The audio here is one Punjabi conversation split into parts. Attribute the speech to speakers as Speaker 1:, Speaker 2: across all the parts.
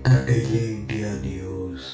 Speaker 1: Daily India News।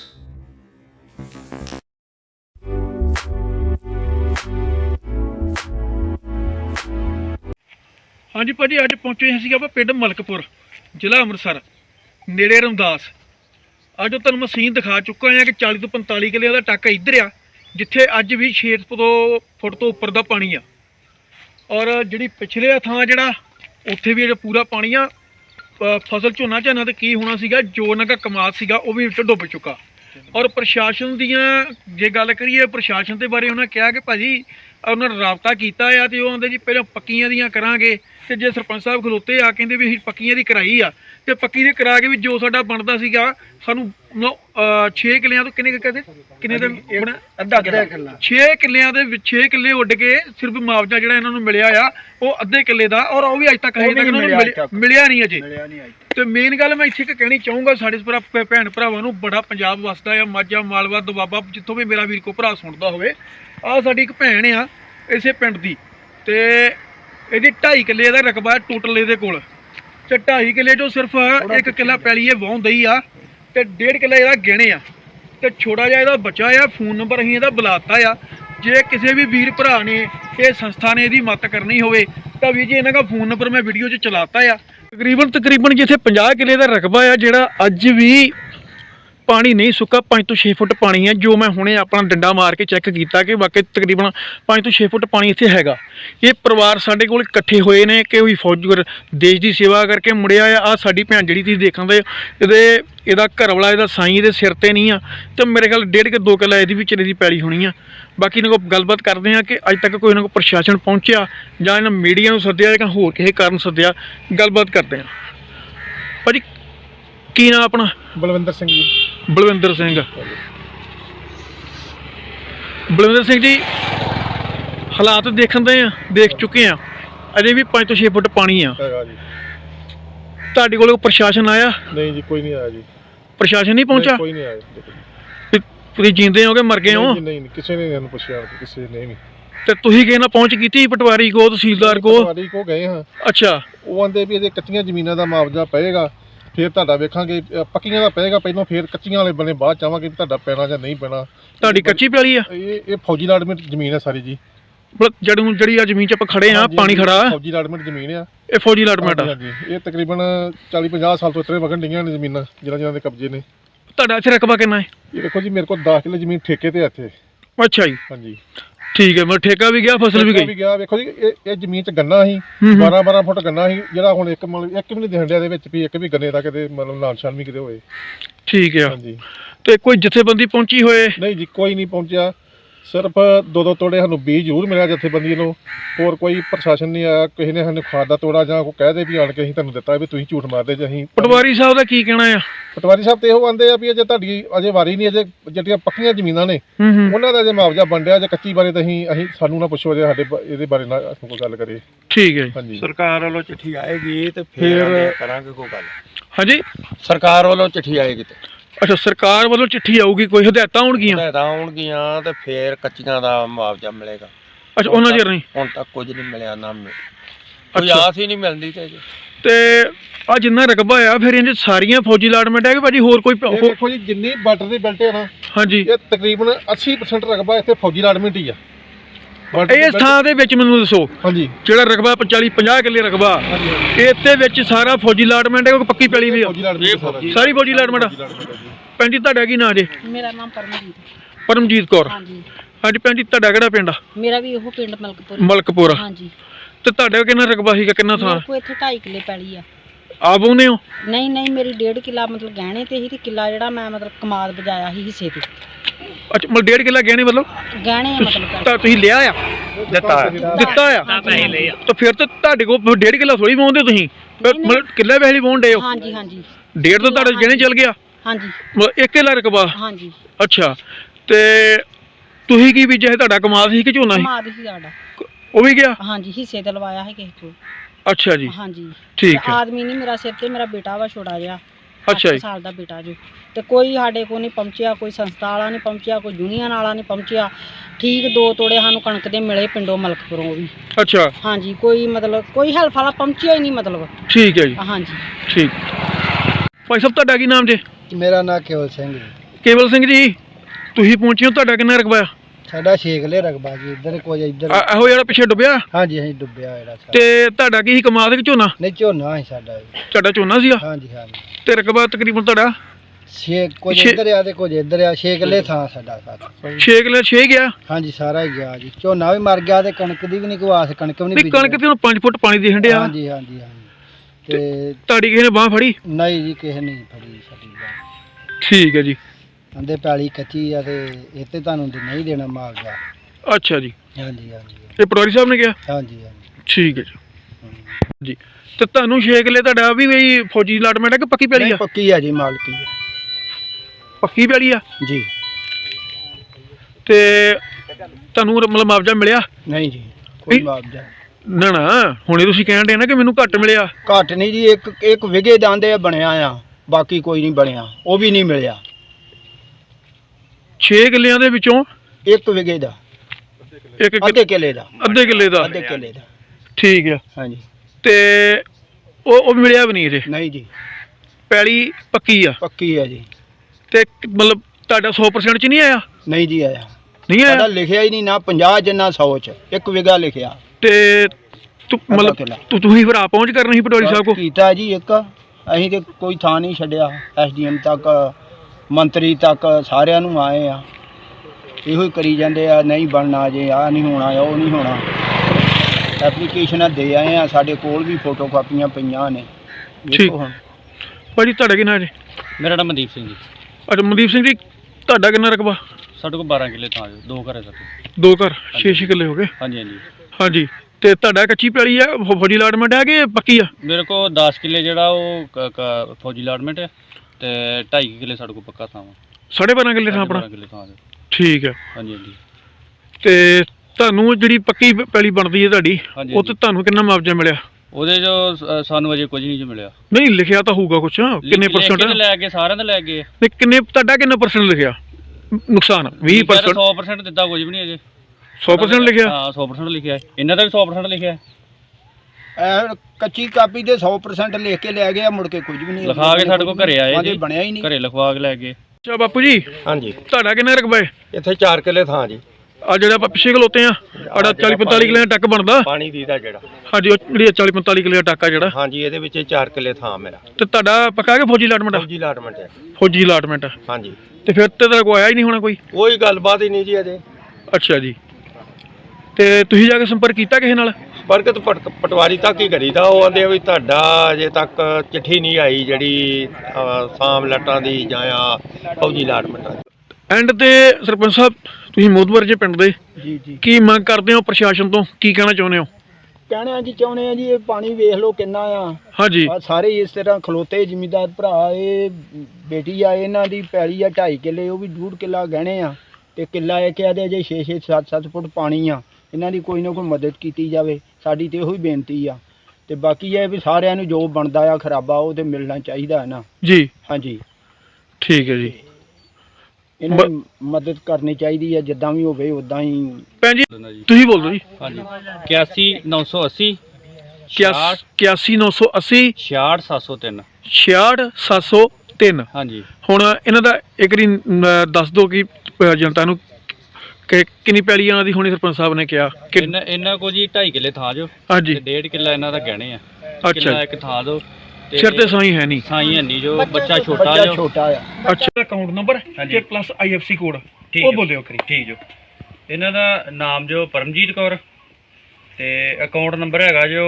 Speaker 2: ਹਾਂਜੀ ਭਾਜੀ, ਅੱਜ ਪਹੁੰਚੇ ਸੀ ਆਪਾਂ ਪਿੰਡ ਮਲਕਪੁਰ, ਜ਼ਿਲ੍ਹਾ ਅੰਮ੍ਰਿਤਸਰ, ਨੇੜੇ ਰਮਦਾਸ। ਅੱਜ ਤੁਹਾਨੂੰ ਮੈਂ ਸੀਨ ਦਿਖਾ ਚੁੱਕਾ ਹਾਂ ਕਿ 40 ਤੋਂ 45 ਕਿੱਲੇ ਦਾ ਟੱਕ ਇੱਧਰ ਆ, ਜਿੱਥੇ ਅੱਜ ਵੀ 6 ਫੁੱਟ ਤੋਂ ਉੱਪਰ ਦਾ ਪਾਣੀ ਆ। ਔਰ ਜਿਹੜੀ ਪਿਛਲੇ ਥਾਂ ਜਿਹੜਾ ਉੱਥੇ ਵੀ ਪੂਰਾ ਪਾਣੀ ਆ। ਫਸਲ ਝੋਨਾ ਤੇ ਕੀ ਹੋਣਾ ਸੀਗਾ, ਜੋ ਉਹਨਾਂ ਦਾ ਕਮਾਲ ਸੀਗਾ ਉਹ ਵੀ ਡੁੱਬ ਚੁੱਕਾ। ਔਰ ਪ੍ਰਸ਼ਾਸਨ ਦੀਆਂ ਜੇ ਗੱਲ ਕਰੀਏ, ਪ੍ਰਸ਼ਾਸਨ ਦੇ ਬਾਰੇ ਉਹਨਾਂ ਕਿਹਾ ਕਿ ਭਾਜੀ ਉਹਨਾਂ ਨੇ ਰਾਬਤਾ ਕੀਤਾ ਆ, ਤੇ ਉਹ ਆਂਦੇ ਜੀ ਪਹਿਲਾਂ ਪੱਕੀਆਂ ਦੀਆਂ ਕਰਾਂਗੇ। ਤੇ ਜੇ ਸਰਪੰਚ ਸਾਹਿਬ ਖਲੋਤੇ ਆ ਕਹਿੰਦੇ ਵੀ ਅਸੀਂ ਪੱਕੀਆਂ ਦੀ ਕਰਾਈ ਆ, ਤੇ ਪੱਕੀ ਦੀ ਕਰਾ ਕੇ ਵੀ ਜੋ ਸਾਡਾ ਬਣਦਾ ਸੀਗਾ ਸਾਨੂੰ 6 ਕਿੱਲਿਆਂ ਤੋਂ ਕਿੰਨੇ ਦਾ ਅੱਧਾ ਕਿੱਲਾ 6 ਕਿੱਲਿਆਂ ਦੇ ਵਿੱਚ 6 ਕਿੱਲੇ ਉੱਡ ਕੇ ਸਿਰਫ ਮੁਆਵਜ਼ਾ ਜਿਹੜਾ ਇਹਨਾਂ ਨੂੰ ਮਿਲਿਆ ਆ ਉਹ ਅੱਧੇ ਕਿੱਲੇ ਦਾ। ਔਰ ਉਹ ਵੀ ਅਜੇ ਤੱਕ ਇਹਨਾਂ ਨੂੰ ਮਿਲਿਆ ਨਹੀਂ ਅਜੇ। ਤੇ ਮੇਨ ਗੱਲ ਮੈਂ ਇੱਥੇ ਕਹਿਣੀ ਚਾਹੂੰਗਾ, ਸਾਡੇ ਭੈਣ ਭਰਾਵਾਂ ਨੂੰ ਬੜਾ ਪੰਜਾਬ ਵਸਦਾ ਆ, ਮਾਝਾ ਮਾਲਵਾ ਦੁਆਬਾ, ਜਿੱਥੋਂ ਵੀ ਮੇਰਾ ਵੀਰ ਕੋ ਭਰਾ ਸੁਣਦਾ ਹੋਵੇ। ਆਹ ਸਾਡੀ ਇੱਕ ਭੈਣ ਆ ਇਸੇ ਪਿੰਡ ਦੀ, ਤੇ ਇਹਦੀ 2.5 ਕਿੱਲੇ ਦਾ ਰਕਬਾ ਟੋਟਲ ਇਹਦੇ ਕੋਲ, ਤੇ 2.5 ਕਿੱਲੇ ਚੋਂ ਸਿਰਫ 1 ਕਿੱਲਾ ਪੈਲੀ ਇਹ ਵਾਹੁੰਦਾ ਹੀ ਆ, ਤੇ 1.5 ਕਿੱਲਾ ਇਹਦਾ ਗਹਿਣੇ ਆ, ਤੇ ਛੋਟਾ ਜਿਹਾ ਇਹਦਾ ਬੱਚਾ ਆ। ਫੋਨ ਨੰਬਰ ਅਸੀਂ ਇਹਦਾ ਬੁਲਾਤਾ ਆ, ਜੇ ਕਿਸੇ ਵੀ ਵੀਰ ਭਰਾ ਨੇ ਇਹ ਸੰਸਥਾ ਨੇ ਇਹਦੀ ਮਦਦ ਕਰਨੀ ਹੋਵੇ ਤਾਂ ਵੀ ਜੀ ਇਹਨਾਂ ਦਾ ਫੋਨ ਨੰਬਰ ਮੈਂ ਵੀਡੀਓ 'ਚ ਚਲਾਤਾ ਆ। ਤਕਰੀਬਨ ਜਿੱਥੇ 50 ਕਿੱਲੇ ਦਾ ਰਕਬਾ ਆ, ਜਿਹੜਾ ਅੱਜ ਵੀ ਪਾਣੀ ਨਹੀਂ ਸੁੱਕਾ, 5 ਤੋਂ 6 ਫੁੱਟ ਪਾਣੀ ਹੈ। ਜੋ ਮੈਂ ਹੁਣੇ ਆਪਣਾ ਡੰਡਾ ਮਾਰ ਕੇ ਚੈੱਕ ਕੀਤਾ ਕਿ ਵਾਕਈ ਤਕਰੀਬਨ 5 ਤੋਂ 6 ਫੁੱਟ ਪਾਣੀ ਇੱਥੇ ਹੈਗਾ। ਇਹ ਪਰਿਵਾਰ ਸਾਡੇ ਕੋਲ ਇਕੱਠੇ ਹੋਏ ਨੇ ਕਿ ਕੋਈ ਫੌਜੀ ਦੇਸ਼ ਦੀ ਸੇਵਾ ਕਰਕੇ ਮੁੜਿਆ ਆ। ਸਾਡੀ ਭੈਣ ਜਿਹੜੀ ਤੁਸੀਂ ਦੇਖਦੇ ਇਹਦਾ ਘਰ ਵਾਲਾ ਇਹਦਾ ਸਾਈਂ ਇਹਦੇ ਸਿਰ ਤੇ ਨਹੀਂ ਆ, ਤੇ ਮੇਰੇ ਖਿਆਲ 1.5 ਕਿ 2 ਕਿੱਲਾ ਇਹਦੀ ਵੀ ਚਲੇ ਦੀ ਪੈਲੀ ਹੋਣੀ ਆ। ਬਾਕੀ ਇਹਨਾਂ ਕੋਲ ਗੱਲਬਾਤ ਕਰਦੇ ਆ ਕਿ ਅੱਜ ਤੱਕ ਕੋਈ ਇਹਨਾਂ ਕੋਲ ਪ੍ਰਸ਼ਾਸਨ ਪਹੁੰਚਿਆ ਜਾਂ ਇਹਨਾਂ ਮੀਡੀਆ ਨੂੰ ਸੱਦਿਆ ਜਾਂ ਹੋਰ ਕਿਸੇ ਕਾਰਨ ਸੱਦਿਆ। ਗੱਲਬਾਤ ਕਰਦੇ ਆ। ਭਾਜੀ ਕੀ ਨਾਮ ਆਪਣਾ?
Speaker 3: ਬਲਵਿੰਦਰ ਸਿੰਘ ਜੀ।
Speaker 2: ਬਲਵਿੰਦਰ ਸਿੰਘ ਜੀ, ਹਾਲਾਤ ਦੇਖ ਚੁੱਕੇ ਆ, ਅਜੇ ਵੀ 5 ਤੋਂ 6 ਫੁੱਟ ਪਾਣੀ ਆ। ਤੁਹਾਡੇ ਕੋਲ ਪ੍ਰਸ਼ਾਸਨ ਆਇਆ?
Speaker 3: ਨਹੀਂ ਜੀ, ਕੋਈ ਨਹੀਂ ਆਇਆ ਜੀ।
Speaker 2: ਪ੍ਰਸ਼ਾਸਨ ਨਹੀਂ ਪਹੁੰਚਾ?
Speaker 3: ਕੋਈ ਨਹੀਂ ਆਇਆ।
Speaker 2: ਤੁਸੀਂ ਜਿੰਦੇ ਹੋ ਕਿ ਮਰ ਗਏ ਹੋ?
Speaker 3: ਨਹੀਂ, ਕਿਸੇ ਨੇ ਸਾਨੂੰ ਪੁੱਛਿਆ, ਕਿਸੇ ਨੇ ਵੀ।
Speaker 2: ਤੇ ਤੁਸੀਂ ਕਿਸੇ ਨਾਲ ਪਹੁੰਚ ਕੀਤੀ? ਪਟਵਾਰੀ ਕੋ, ਤਹਿਸੀਲਦਾਰ ਕੋ?
Speaker 3: ਪਟਵਾਰੀ ਕੋ ਗਏ ਹਾਂ।
Speaker 2: ਅੱਛਾ।
Speaker 3: ਉਹ ਆਂਦੇ ਵੀ ਇਹਦੇ ਕੱਚੀਆਂ ਜ਼ਮੀਨਾਂ ਦਾ ਮੁਆਵਜ਼ਾ ਪਏਗਾ, ਫਿਰ ਤੁਹਾਡਾ ਵੇਖਾਂਗੇ। ਪੱਕੀਆਂ ਦਾ ਪਏਗਾ ਪਹਿਲਾਂ, ਫਿਰ ਕੱਚੀਆਂ ਵਾਲੇ ਬਣੇ ਬਾਅਦ ਚਾਹਾਂਗੇ ਵੀ ਤੁਹਾਡਾ ਪੈਣਾ ਜਾਂ ਨਹੀਂ ਪੈਣਾ।
Speaker 2: ਤੁਹਾਡੀ ਕੱਚੀ ਪੈਲੀ ਆ?
Speaker 3: ਇਹ ਫੌਜੀ ਅਲਾਟਮੈਂਟ ਜ਼ਮੀਨ ਹੈ ਸਾਰੀ ਜੀ।
Speaker 2: ਜਿਹੜੀ ਆ ਜ਼ਮੀਨ 'ਚ ਆਪਾਂ ਖੜੇ ਆ, ਪਾਣੀ ਖੜਾ,
Speaker 3: ਫੌਜੀ ਅਲਾਟਮੈਂਟ ਜ਼ਮੀਨ ਆ।
Speaker 2: ਇਹ ਫੌਜੀ ਅਲਾਟਮੈਂਟ ਆ?
Speaker 3: ਹਾਂਜੀ। ਇਹ ਤਕਰੀਬਨ 40-50 ਸਾਲ ਤੋਂ ਇਤਰੇ ਵਗਣ ਡੀਆਂ ਨੇ ਜ਼ਮੀਨਾਂ, ਜਿਹਨਾਂ ਦੇ ਕਬਜ਼ੇ ਨੇ।
Speaker 2: ਤੁਹਾਡਾ ਇੱਥੇ ਰਕਬਾ ਕਿੰਨਾ ਹੈ?
Speaker 3: ਇਹ ਦੇਖੋ ਜੀ, ਮੇਰੇ ਕੋਲ 10 ਕਿੱਲੇ ਜ਼ਮੀਨ ਠੇਕੇ ਤੇ ਆ ਇੱਥੇ।
Speaker 2: ਅੱਛਾ ਜੀ।
Speaker 3: ਹਾਂਜੀ
Speaker 2: ਠੀਕ ਹੈ। ਮੈਂ ਠੇਕਾ ਵੀ ਗਿਆ, ਫਸਲ ਵੀ ਗਈ।
Speaker 3: ਵੇਖੋ ਜੀ, ਇਹ ਜ਼ਮੀਨ 'ਚ ਗੰਨਾ ਸੀ, 12-12 ਫੁੱਟ ਗੰਨਾ ਸੀ, ਜਿਹੜਾ ਹੁਣ ਇੱਕ ਵੀ ਨਹੀਂ ਦਿਖਣ ਡਿਆ ਦੇ ਵਿੱਚ ਵੀ ਇੱਕ ਵੀ ਗੰਨੇ ਦਾ ਕਿਤੇ ਨਿਸ਼ਾਨ ਵੀ ਕਿਤੇ ਹੋਏ।
Speaker 2: ਠੀਕ ਆ।
Speaker 3: ਹਾਂਜੀ।
Speaker 2: ਤੇ ਕੋਈ ਜਥੇਬੰਦੀ ਪਹੁੰਚੀ ਹੋਏ?
Speaker 3: ਨਹੀਂ ਜੀ, ਕੋਈ ਨਹੀਂ ਪਹੁੰਚਿਆ। ਸਿਰਫ 2-2 ਤੋੜੇ ਸਾਨੂੰ ਬੀਜ ਜ਼ਰੂਰ ਮਿਲਿਆ ਜਥੇਬੰਦੀ ਨੂੰ, ਹੋਰ ਕੋਈ ਪ੍ਰਸ਼ਾਸਨ ਨਹੀਂ ਆਇਆ। ਕਿਸੇ ਨੇ ਸਾਨੂੰ ਖਾਦ ਦਾ ਤੋੜਾ ਜਾਂ ਕੋਈ ਕਹਿ ਦੇ ਵੀ ਆਣ ਕੇ ਅਸੀਂ ਤੁਹਾਨੂੰ ਦਿੱਤਾ ਵੀ ਤੁਸੀਂ ਝੂਠ ਮਾਰਦੇ ਜੇ। ਅਸੀਂ
Speaker 2: ਪਟਵਾਰੀ ਸਾਹਿਬ ਦਾ ਕੀ ਕਹਿਣਾ ਆ?
Speaker 3: ਪਟਵਾਰੀ ਸਾਹਿਬ ਤੇ ਇਹੋ ਆਂਦੇ ਆ ਵੀ ਅਜੇ ਤੁਹਾਡੀ ਅਜੇ ਵਾਰੀ ਨਹੀਂ, ਅਜੇ ਜਿਹੜੀਆਂ ਪੱਕੀਆਂ ਜ਼ਮੀਨਾਂ ਨੇ ਉਹਨਾਂ ਦਾ ਅਜੇ ਮੁਆਵਜ਼ਾ ਬਣ ਰਿਹਾ। ਜੇ ਕੱਚੀ ਬਾਰੇ ਤਾਂ ਅਸੀਂ ਸਾਨੂੰ ਨਾ ਪੁੱਛੋ, ਜੇ ਸਾਡੇ ਇਹਦੇ ਬਾਰੇ ਨਾ ਕੋਈ ਗੱਲ ਕਰੇ। ਠੀਕ ਹੈ। ਹਾਂਜੀ।
Speaker 4: ਸਰਕਾਰ ਵੱਲੋਂ ਚਿੱਠੀ ਆਏਗੀ ਤੇ ਫਿਰ ਕਰਾਂਗੇ ਕੋਈ ਗੱਲ।
Speaker 2: ਹਾਂਜੀ,
Speaker 4: ਸਰਕਾਰ ਵੱਲੋਂ ਚਿੱਠੀ ਆਏਗੀ ਤੇ।
Speaker 2: ਅੱਛਾ, ਸਰਕਾਰ ਵੱਲੋਂ ਚਿੱਠੀ ਆਊਗੀ, ਕੋਈ ਹਦਾਇਤਾਂ
Speaker 4: ਆਉਣਗੀਆਂ ਤੇ ਫਿਰ ਕੱਚੀਆਂ ਦਾ ਮੁਆਵਜ਼ਾ ਮਿਲੇਗਾ।
Speaker 2: ਅੱਛਾ, ਉਹਨਾਂ ਚਿਰ ਨਹੀਂ?
Speaker 4: ਹੁਣ ਤੱਕ ਕੁਝ ਨਹੀਂ ਮਿਲਿਆ, ਨਾ ਕੋਈ ਆਸ ਹੀ ਨਹੀਂ ਮਿਲਦੀ।
Speaker 2: ਤੇ ਆ ਜਿੰਨਾ ਰਕਬਾ ਆ, ਫਿਰ ਇਹਦੇ ਸਾਰੀਆਂ ਫੌਜੀ ਅਲਾਟਮੈਂਟ ਹੈ ਕਿ ਭਾਜੀ ਹੋਰ ਕੋਈ?
Speaker 3: ਦੇਖੋ ਜੀ, ਜਿੰਨੀ ਬਾਰਡਰ ਦੇ ਬੈਲਟ ਹੈ ਨਾ, ਹਾਂਜੀ, ਇਹ ਤਕਰੀਬਨ 80% ਰਕਬਾ ਇੱਥੇ ਫੌਜੀ ਅਲਾਟਮੈਂਟ ਹੀ ਆ।
Speaker 2: ਇਸ ਥਾਂ ਦੇ ਵਿੱਚ ਮੈਨੂੰ ਦੱਸੋ,
Speaker 3: ਹਾਂਜੀ,
Speaker 2: ਜਿਹੜਾ ਰਕਬਾ 40-50 ਕਿੱਲੇ ਰਕਬਾ, ਇਹਦੇ ਵਿੱਚ ਸਾਰਾ ਫੌਜੀ ਅਲਾਟਮੈਂਟ ਹੈ? ਕੋਈ ਪੱਕੀ ਪੈਲੀ ਵੀ ਆ? ਸਾਰੀ ਫੌਜੀ ਅਲਾਟਮੈਂਟ ਆ। ਭੈਣ ਜੀ, ਤੁਹਾਡਾ ਕੀ ਨਾਂ ਜੇ?
Speaker 5: ਮੇਰਾ ਨਾਮ
Speaker 2: ਪਰਮਜੀਤ ਕੌਰ।
Speaker 5: ਹਾਂਜੀ।
Speaker 2: ਹਾਂਜੀ ਭੈਣ ਜੀ, ਤੁਹਾਡਾ ਕਿਹੜਾ ਪਿੰਡ ਆ?
Speaker 5: ਮੇਰਾ ਵੀ ਉਹ ਪਿੰਡ
Speaker 2: ਮਲਕਪੁਰ।
Speaker 5: ਹਾਂਜੀ।
Speaker 2: ਤੇ ਤੁਹਾਡਾ ਕਿੰਨਾ ਰਕਬਾ ਸੀਗਾ, ਕਿੰਨਾ ਥਾਂ?
Speaker 5: ਮੇਰੇ ਕੋਲ ਇੱਥੇ 2.5 ਕਿੱਲੇ ਪੈਲੀ ਆ।
Speaker 2: ਆਪ ਉਹਨੇ ਹੋ?
Speaker 5: ਨਹੀਂ, ਮੇਰੀ 1.5 ਕਿੱਲਾ ਮਤਲਬ ਗਹਿਣੇ ਤੇ ਹੀ, ਤੇ ਕਿੱਲਾ ਜਿਹੜਾ ਮੈਂ ਮਤਲਬ ਕਮਾਦ ਬਜਾਇਆ ਸੀ ਹਿੱਸੇ ਤੇ।
Speaker 2: ਅੱਛਾ, ਮਤਲਬ 1.5 ਕਿੱਲਾ ਗਹਿਣੇ ਮਤਲਬ
Speaker 5: ਮਤਲਬ
Speaker 2: ਤਾਂ ਤੁਸੀਂ ਲਿਆ ਆ? ਦਿੱਤਾ ਆ? ਤਾਂ ਫਿਰ ਤਾਂ ਤੁਹਾਡੇ ਕੋਲ 1.5 ਕਿੱਲਾ ਥੋੜੀ ਵਾਹੁੰਦੇ ਤੁਸੀਂ, ਮਤਲਬ ਕਿੱਲਾ ਵੈਸੇ ਵਾਹੁੰਦੇ ਹੋ?
Speaker 5: ਹਾਂਜੀ।
Speaker 2: 1.5 ਤਾਂ ਤੁਹਾਡੇ ਗਹਿਣੇ ਚਲ ਗਿਆ?
Speaker 5: ਹਾਂਜੀ।
Speaker 2: ਮਤਲਬ 1 ਕਿੱਲਾ ਰਕਬਾ?
Speaker 5: ਹਾਂਜੀ।
Speaker 2: ਅੱਛਾ, ਤੇ ਤੁਸੀਂ ਕੀ ਬੀਜਿਆ? ਤੁਹਾਡਾ ਕਮਾਦ ਸੀ ਕਿ ਝੋਨਾ ਸੀ?
Speaker 5: ਕਮਾਦ ਸੀ ਸਾਡਾ।
Speaker 2: ਉਹ ਵੀ ਗਿਆ?
Speaker 5: ਹਾਂਜੀ, ਹਿੱਸੇ ਤੇ ਲਵਾਇਆ ਹੈ ਕਿਸੇ ਕੋਲ।
Speaker 2: ਅੱਛਾ ਜੀ।
Speaker 5: ਹਾਂਜੀ।
Speaker 2: ਠੀਕ ਹੈ।
Speaker 5: ਆਦਮੀ ਨਹੀਂ ਮੇਰਾ ਸਿਰ ਤੇ, ਮੇਰਾ ਬੇਟਾ ਵਾ ਛੋਟਾ ਜਿਹਾ।
Speaker 2: ਅੱਛਾ ਜੀ।
Speaker 5: 8 ਸਾਲ ਦਾ ਬੇਟਾ ਜੋ। ਤੇ ਕੋਈ ਸਾਡੇ ਕੋਲ ਨਹੀਂ ਪਹੁੰਚਿਆ, ਕੋਈ ਸੰਸਥਾ ਵਾਲਾ ਨਹੀਂ ਪਹੁੰਚਿਆ, ਕੋਈ ਯੂਨੀਅਨ ਵਾਲਾ ਨਹੀਂ ਪਹੁੰਚਿਆ। ਠੀਕ 2 ਤੋੜੇ ਸਾਨੂੰ ਕਣਕ ਦੇ ਮਿਲੇ ਪਿੰਡੋਂ ਮਲਕਪੁਰੋਂ ਵੀ।
Speaker 2: ਅੱਛਾ।
Speaker 5: ਹਾਂਜੀ, ਕੋਈ ਮਤਲਬ ਕੋਈ ਹੈਲਪ ਵਾਲਾ ਪਹੁੰਚਿਆ ਹੀ ਨਹੀਂ ਮਤਲਬ।
Speaker 2: ਠੀਕ ਹੈ ਜੀ।
Speaker 5: ਹਾਂਜੀ।
Speaker 2: ਠੀਕ। ਭਾਈ ਸਾਹਿਬ, ਤੁਹਾਡਾ ਕੀ ਨਾਮ ਜੇ?
Speaker 6: ਮੇਰਾ ਨਾਂ ਕੇਵਲ ਸਿੰਘ ਜੀ।
Speaker 2: ਕੇਵਲ ਸਿੰਘ ਜੀ ਤੁਸੀਂ ਪਹੁੰਚੇ ਹੋ, ਤੁਹਾਡਾ ਕਿੰਨਾ ਰਕਬਾ ਆ?
Speaker 6: ਸਾਡਾ ਛੇਕਲੇ ਰਕਬਾ ਜੀ, ਇੱਧਰ ਕੁਝ ਇੱਧਰ।
Speaker 2: ਇਹੋ ਜਿਹੜਾ ਪਿੱਛੇ ਡੁੱਬਿਆ?
Speaker 6: ਹਾਂਜੀ ਹਾਂਜੀ, ਡੁੱਬਿਆ ਜਿਹੜਾ ਸਾਡਾ।
Speaker 2: ਤੇ ਤੁਹਾਡਾ ਕੀ ਸੀ, ਕਮਾਦ ਕਿ ਝੋਨਾ?
Speaker 6: ਨਹੀਂ, ਝੋਨਾ ਹੈ ਸਾਡਾ ਜੀ।
Speaker 2: ਤੁਹਾਡਾ ਝੋਨਾ ਸੀਗਾ?
Speaker 6: ਹਾਂਜੀ ਹਾਂਜੀ।
Speaker 2: ਤੇ ਰਕਬਾ ਤਕਰੀਬਨ ਤੁਹਾਡਾ
Speaker 6: ਕੁਝ ਇੱਧਰ ਆ ਤੇ ਕੁਝ ਇੱਧਰ ਆ। ਛੇਕਲੇ ਥਾਂ ਸਾਡਾ ਸਾਰਾ।
Speaker 2: 6 ਕਿੱਲੇ 6 ਗਿਆ?
Speaker 6: ਹਾਂਜੀ, ਸਾਰਾ ਹੀ ਗਿਆ ਜੀ। ਝੋਨਾ ਵੀ ਮਰ ਗਿਆ ਤੇ ਕਣਕ ਦੀ ਵੀ ਨਹੀਂ ਕਵਾਸ, ਕਣਕ ਵੀ ਨਹੀਂ
Speaker 2: ਨਹੀਂ ਕਣਕ ਤੇ ਹੁਣ 5 ਫੁੱਟ ਪਾਣੀ ਦੇ ਹੰਡਿਆ।
Speaker 6: ਹਾਂਜੀ ਹਾਂਜੀ ਹਾਂਜੀ। ਤੇ
Speaker 2: ਤੁਹਾਡੀ ਕਿਸੇ ਨੇ ਬਾਹ ਫੜੀ?
Speaker 6: ਨਹੀਂ ਜੀ, ਕਿਸੇ ਨੇ ਫੜੀ ਸਾਡੀ ਬਾਂਹ।
Speaker 2: ਠੀਕ ਹੈ ਜੀ।
Speaker 6: ਕਹਿੰਦੇ ਪੈਲੀ ਕੱਚੀ ਆ ਤੇ ਇੱਥੇ ਤੁਹਾਨੂੰ ਨਹੀਂ ਦੇਣਾ ਮੁਆਵਜ਼ਾ।
Speaker 2: ਅੱਛਾ ਜੀ।
Speaker 6: ਹਾਂਜੀ ਹਾਂਜੀ
Speaker 2: ਇਹ ਪਟਵਾਰੀ ਸਾਹਿਬ ਨੇ ਕਿਹਾ?
Speaker 6: ਹਾਂਜੀ ਹਾਂਜੀ।
Speaker 2: ਠੀਕ ਹੈ ਜੀ। ਜੀ ਤੇ ਤੁਹਾਨੂੰ 6 ਕਿੱਲੇ ਤੁਹਾਡਾ ਵੀ ਬਈ ਫੌਜੀ ਅਲਾਟਮੈਂਟ ਹੈ ਕਿ ਪੱਕੀ ਪੈਲੀ ਆ?
Speaker 6: ਪੱਕੀ ਆ ਜੀ, ਮਾਲਕੀ ਆ
Speaker 2: ਪੱਕੀ ਪੈਲੀ ਆ
Speaker 6: ਜੀ।
Speaker 2: ਤੇ ਤੁਹਾਨੂੰ ਮਤਲਬ ਮੁਆਵਜ਼ਾ ਮਿਲਿਆ?
Speaker 6: ਨਹੀਂ ਜੀ, ਕੋਈ
Speaker 2: ਨਹੀਂ।
Speaker 6: ਮੁਆਵਜ਼ਾ
Speaker 2: ਨਾ ਨਾ, ਹੁਣੇ ਤੁਸੀਂ ਕਹਿਣ ਦੇ ਨਾ ਕਿ ਮੈਨੂੰ ਘੱਟ ਮਿਲਿਆ।
Speaker 6: ਘੱਟ ਨਹੀਂ ਜੀ, ਇੱਕ ਵਿਗੇ ਦਾਂਦੇ ਬਣਿਆ ਆ, ਬਾਕੀ ਕੋਈ ਨਹੀਂ ਬਣਿਆ, ਉਹ ਵੀ ਨਹੀਂ ਮਿਲਿਆ।
Speaker 2: 6 ਕਿੱਲਿਆਂ ਦੇ ਵਿੱਚੋਂ
Speaker 6: ਇੱਕ ਵਿਗੇ ਦਾ,
Speaker 2: ਇੱਕ
Speaker 6: ਅੱਧੇ ਕਿੱਲੇ ਦਾ।
Speaker 2: ਅੱਧੇ ਕਿੱਲੇ ਦਾ?
Speaker 6: ਅੱਧੇ ਕਿੱਲੇ ਦਾ।
Speaker 2: ਠੀਕ ਆ।
Speaker 6: ਹਾਂਜੀ।
Speaker 2: ਤੇ ਉਹ ਮਿਲਿਆ ਵੀ ਨਹੀਂ ਅਜੇ?
Speaker 6: ਨਹੀਂ ਜੀ,
Speaker 2: ਪੈਲੀ ਪੱਕੀ ਆ?
Speaker 6: ਪੱਕੀ ਹੈ ਜੀ।
Speaker 2: ਤੇ ਮਤਲਬ ਤੁਹਾਡਾ 100% ਚ ਨਹੀਂ ਆਇਆ?
Speaker 6: ਨਹੀਂ ਜੀ, ਆਇਆ
Speaker 2: ਨਹੀਂ
Speaker 6: ਸਾਡਾ
Speaker 2: ਆਇਆ?
Speaker 6: ਲਿਖਿਆ ਹੀ ਨਹੀਂ ਨਾ 50 ਜਿੰਨਾ 100 ਚ, ਇੱਕ ਵਿਗਾ ਲਿਖਿਆ।
Speaker 2: ਤੇ ਮਤਲਬ
Speaker 6: ਕਿੱਲਾ।
Speaker 2: ਤੁਸੀਂ ਫਿਰ ਆ ਪਹੁੰਚ ਕਰਨੀ ਸੀ ਪਟਵਾਰੀ ਸਾਹਿਬ ਕੋ?
Speaker 6: ਕੀਤਾ ਜੀ, ਇੱਕ ਅਸੀਂ ਤੇ ਕੋਈ ਥਾਂ ਨਹੀਂ ਛੱਡਿਆ, ਐਸਡੀਐਮ ਤੱਕ, ਮੰਤਰੀ ਤੱਕ, ਸਾਰਿਆਂ ਨੂੰ ਆਏ ਆ, ਇਹੋ ਹੀ ਕਰੀ ਜਾਂਦੇ ਆ, ਨਹੀਂ ਬਣਨਾ ਜੇ, ਆ ਨਹੀਂ ਹੋਣਾ, ਉਹ ਨਹੀਂ ਹੋਣਾ। ਐਪਲੀਕੇਸ਼ਨਾਂ ਦੇ ਆਏ ਆ, ਸਾਡੇ ਕੋਲ ਵੀ ਫੋਟੋ ਕਾਪੀਆਂ ਪਈਆਂ ਨੇ।
Speaker 2: ਠੀਕ। ਹੁਣ ਭਾਜੀ ਤੁਹਾਡਾ ਕੀ ਨਾਂ ਜੀ?
Speaker 7: ਮੇਰਾ ਨਾਮ ਮਨਦੀਪ ਸਿੰਘ ਜੀ।
Speaker 2: ਅੱਛਾ ਮਨਦੀਪ ਸਿੰਘ ਜੀ, ਤੁਹਾਡਾ ਕਿੰਨਾ ਰਕਬਾ?
Speaker 7: ਸਾਡੇ ਕੋਲ 12 ਕਿੱਲੇ ਥਾਂ ਜੀ, 2 ਘਰ ਹੈ ਸਾਡੇ।
Speaker 2: 2 ਘਰ, 6 ਕਿੱਲੇ ਹੋ ਗਏ?
Speaker 7: ਹਾਂਜੀ ਹਾਂਜੀ।
Speaker 2: ਹਾਂਜੀ। ਤੇ ਤੁਹਾਡਾ ਕੱਚੀ ਪੈਲੀ ਆ, ਫੌਜੀ ਅਲਾਟਮੈਂਟ ਹੈ ਕਿ ਪੱਕੀ ਆ?
Speaker 7: ਮੇਰੇ ਕੋਲ 10 ਕਿੱਲੇ ਜਿਹੜਾ ਉਹ ਫੌਜੀ ਅਲਾਟਮੈਂਟ ਹੈ ਤੇ 2.5 ਕਿੱਲੇ ਸਾਡੇ ਕੋਲ ਪੱਕਾ ਥਾਂ ਵਾ।
Speaker 2: 12.5 ਕਿੱਲੇ ਥਾਂ ਆਪਣਾ?
Speaker 7: 12 ਕਿੱਲੇ ਥਾਂ ਜੀ।
Speaker 2: ਠੀਕ ਹੈ।
Speaker 7: ਹਾਂਜੀ ਹਾਂਜੀ।
Speaker 2: ਤੇ ਤੁਹਾਨੂੰ ਜਿਹੜੀ ਪੱਕੀ ਪੈਲੀ ਬਣਦੀ ਹੈ ਤੁਹਾਡੀ,
Speaker 7: ਹਾਂਜੀ,
Speaker 2: ਉਹ ਤੇ ਤੁਹਾਨੂੰ ਕਿੰਨਾ ਮੁਆਵਜ਼ਾ ਮਿਲਿਆ?
Speaker 7: ਉਹਦੇ ਜੋ ਸਾਨੂੰ ਅਜੇ ਕੁਝ ਨਹੀਂ ਜੀ ਮਿਲਿਆ।
Speaker 2: ਨਹੀਂ ਲਿਖਿਆ ਤਾਂ ਹੋਊਗਾ ਕੁਛ, ਕਿੰਨੇ ਪਰਸੈਂਟ?
Speaker 7: ਲੈ ਕੇ ਸਾਰਿਆਂ ਦੇ ਲੈ ਗਏ।
Speaker 2: ਨਹੀਂ ਕਿੰਨੇ, ਤੁਹਾਡਾ ਕਿੰਨਾ ਪਰਸੈਂਟ ਲਿਖਿਆ ਨੁਕਸਾਨ? 20%?
Speaker 7: 100% ਦਿੱਤਾ ਕੁਝ ਵੀ ਨਹੀਂ ਅਜੇ।
Speaker 2: 100% ਲਿਖਿਆ?
Speaker 7: ਹਾਂ 100% ਲਿਖਿਆ ਹੈ, ਇਹਨਾਂ ਦਾ ਵੀ 100% ਲਿਖਿਆ ਹੈ।
Speaker 6: ਕੱਚੀ ਕਾਪੀ ਦੇ 100% ਲਿਖ ਕੇ ਲੈ ਗਏ ਆ, ਮੁੜ ਕੇ ਕੁਝ ਵੀ ਨਹੀਂ
Speaker 7: ਲਿਖਾ ਕੇ ਸਾਡੇ ਕੋਲ ਘਰੇ ਆਏ ਜੀ,
Speaker 6: ਬਣਿਆ ਹੀ ਨਹੀਂ।
Speaker 7: ਘਰੇ ਲਿਖਵਾ ਕੇ ਲੈ ਗਏ।
Speaker 2: ਅੱਛਾ ਬਾਪੂ ਜੀ,
Speaker 4: ਹਾਂਜੀ,
Speaker 2: ਤੁਹਾਡਾ ਕਿੰਨਾ ਰਕਬਾ ਹੈ?
Speaker 4: ਇੱਥੇ 4 ਕਿੱਲੇ ਥਾਂ ਜੀ।
Speaker 2: ਆ ਜਿਹੜਾ ਆਪਾਂ ਪਿੱਛੇ ਖਲੋਤੇ ਆ, ਆੜਾ 40-45 ਕਿੱਲੇ ਦਾ ਟੱਕ ਬਣਦਾ।
Speaker 4: ਪਾਣੀ ਦੀ ਦਾ ਜਿਹੜਾ।
Speaker 2: ਹਾਂਜੀ, ਉਹ ਜਿਹੜੀ 40-45 ਕਿੱਲੇ ਦਾ ਟੱਕ ਆ ਜਿਹੜਾ।
Speaker 4: ਹਾਂਜੀ, ਇਹਦੇ ਵਿੱਚ 4 ਕਿੱਲੇ ਥਾਂ ਮੇਰਾ।
Speaker 2: ਤੇ ਤੁਹਾਡਾ ਪੱਕਾ ਕਿ ਫੌਜੀ ਅਲਾਟਮੈਂਟ?
Speaker 4: ਫੌਜੀ ਅਲਾਟਮੈਂਟ ਹੈ।
Speaker 2: ਫੌਜੀ ਅਲਾਟਮੈਂਟ?
Speaker 4: ਹਾਂਜੀ।
Speaker 2: ਤੇ ਫਿਰ ਤੇ ਤੇਰਾ ਕੋਈ ਆਇਆ ਹੀ ਨਹੀਂ ਹੋਣਾ ਕੋਈ?
Speaker 4: ਕੋਈ ਗੱਲਬਾਤ ਹੀ ਨਹੀਂ ਜੀ ਅਜੇ।
Speaker 2: ਅੱਛਾ ਜੀ। ਤੇ ਤੁਸੀਂ ਜਾ ਕੇ ਸੰਪਰਕ ਕੀਤਾ ਕਿਸੇ ਨਾਲ?
Speaker 4: ਬਰਕਤ ਪਟਵਾਰੀ ਤੱਕ ਹੀ ਕਰੀਦਾ, ਉਹ ਆਂਦੇ ਵੀ ਤੁਹਾਡਾ ਅਜੇ ਤੱਕ ਚਿੱਠੀ ਨਹੀਂ ਆਈ ਜਿਹੜੀ ਸਾਮ ਲੱਟਾਂ ਦੀ ਜਾਂ ਫੌਜੀ ਅਲਾਟਮੈਂਟਾਂ ਦੀ।
Speaker 2: ਐਂਡ ਤੇ ਸਰਪੰਚ ਸਾਹਿਬ, ਤੁਸੀਂ ਮੋਦਵਰ ਜੇ ਪਿੰਡ ਦੇ,
Speaker 6: ਜੀ ਜੀ।
Speaker 2: ਕੀ ਮੰਗ ਕਰਦੇ ਹੋ ਪ੍ਰਸ਼ਾਸਨ ਤੋਂ, ਕੀ ਕਹਿਣਾ ਚਾਹੁੰਦੇ ਹੋ?
Speaker 6: ਕਹਿਣਾ ਜੀ ਚਾਹੁੰਦੇ ਆ ਜੀ, ਇਹ ਪਾਣੀ ਵੇਖ ਲਓ ਕਿੰਨਾ ਆ।
Speaker 2: ਹਾਂਜੀ।
Speaker 6: ਆ ਸਾਰੇ ਇਸ ਤਰ੍ਹਾਂ ਖਲੋਤੇ ਜ਼ਿਮੀਂਦਾਰ ਭਰਾ, ਇਹ ਬੇਟੀ ਆ ਇਹਨਾਂ ਦੀ ਪੈਲੀ ਆ 2.5 ਕਿੱਲੇ, ਉਹ ਵੀ 1.5 ਕਿੱਲਾ ਗਹਿਣੇ ਆ, ਤੇ ਕਿੱਲਾ ਇਹ ਕਿਹਾ ਦੇ ਅਜੇ 6-6 7-7 ਫੁੱਟ ਪਾਣੀ ਆ। ਇਹਨਾਂ ਦੀ ਕੋਈ ਨਾ ਕੋਈ ਮਦਦ ਕੀਤੀ ਜਾਵੇ, ਸਾਡੀ ਤੇ ਇਹੋ ਹੀ ਬੇਨਤੀ ਆ। ਤੇ ਬਾਕੀ ਇਹ ਵੀ ਸਾਰਿਆਂ ਨੂੰ ਜੋ ਬਣਦਾ ਆ ਖਰਾਬਾ, ਉਹ ਤੇ ਮਿਲਣਾ ਚਾਹੀਦਾ ਹੈ ਨਾ
Speaker 2: ਜੀ।
Speaker 6: ਹਾਂਜੀ,
Speaker 2: ਠੀਕ ਹੈ ਜੀ।
Speaker 6: ਇਹਨਾਂ ਦੀ ਮਦਦ ਕਰਨੀ ਚਾਹੀਦੀ ਹੈ, ਜਿੱਦਾਂ ਵੀ ਹੋਵੇ ਉਦਾਂ ਹੀ।
Speaker 2: ਭੈਣ ਜੀ ਤੁਸੀਂ ਬੋਲ ਦਿਓ ਜੀ।
Speaker 7: ਹਾਂਜੀ 81980
Speaker 2: 81980
Speaker 7: 66703
Speaker 2: 66703।
Speaker 7: ਹਾਂਜੀ।
Speaker 2: ਹੁਣ ਇਹਨਾਂ ਦਾ ਇੱਕ ਵਾਰੀ ਦੱਸ ਦਿਓ ਕਿ ਜਨਤਾ ਨੂੰ ਕਿ ਕਿੰਨੀ ਪੈਲੀ ਇਹਨਾਂ ਦੀ ਹੋਣੀ? ਸਰਪੰਚ ਸਾਹਿਬ ਨੇ ਕਿਹਾ ਕਿ
Speaker 7: ਇਹਨਾਂ ਕੋ ਜੀ 2.5 ਕਿੱਲੇ ਥਾਂ ਜੋ,
Speaker 2: ਹਾਂਜੀ,
Speaker 7: ਤੇ 1.5 ਕਿੱਲਾ ਇਹਨਾਂ ਦਾ ਗਹਿਣੇ ਆ।
Speaker 2: ਅੱਛਾ।
Speaker 7: ਕਿੱਲਾ ਇੱਕ ਥਾਂ ਦੋ,
Speaker 2: ਸਿਰ ਤੇ ਸਾਈ ਹੈ ਨਹੀਂ,
Speaker 7: ਸਾਈ ਹੈ ਨਹੀਂ ਜੋ, ਬੱਚਾ ਛੋਟਾ ਜੋ।
Speaker 6: ਛੋਟਾ ਆ।
Speaker 2: ਅੱਛਾ। ਅਕਾਊਂਟ ਨੰਬਰ ਤੇ ਪਲੱਸ IFC ਕੋਡ ਉਹ ਬੋਲਿਓ ਕਰੀ।
Speaker 7: ਠੀਕ ਜੋ। ਇਹਨਾਂ ਦਾ ਨਾਮ ਜੋ ਪਰਮਜੀਤ ਕੌਰ, ਤੇ ਅਕਾਊਂਟ ਨੰਬਰ ਹੈਗਾ ਜੋ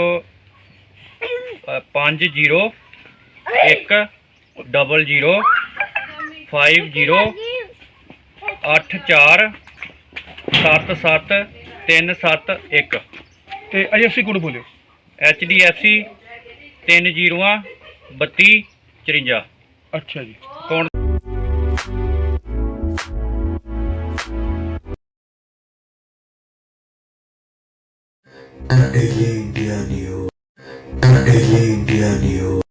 Speaker 7: 5001005084773731
Speaker 2: ਤੇ IFC ਕੋਡ ਬੋਲਿਓ।
Speaker 7: HDFC 303254।
Speaker 2: ਅੱਛਾ ਜੀ।
Speaker 7: ਅਕਾਊਂਟ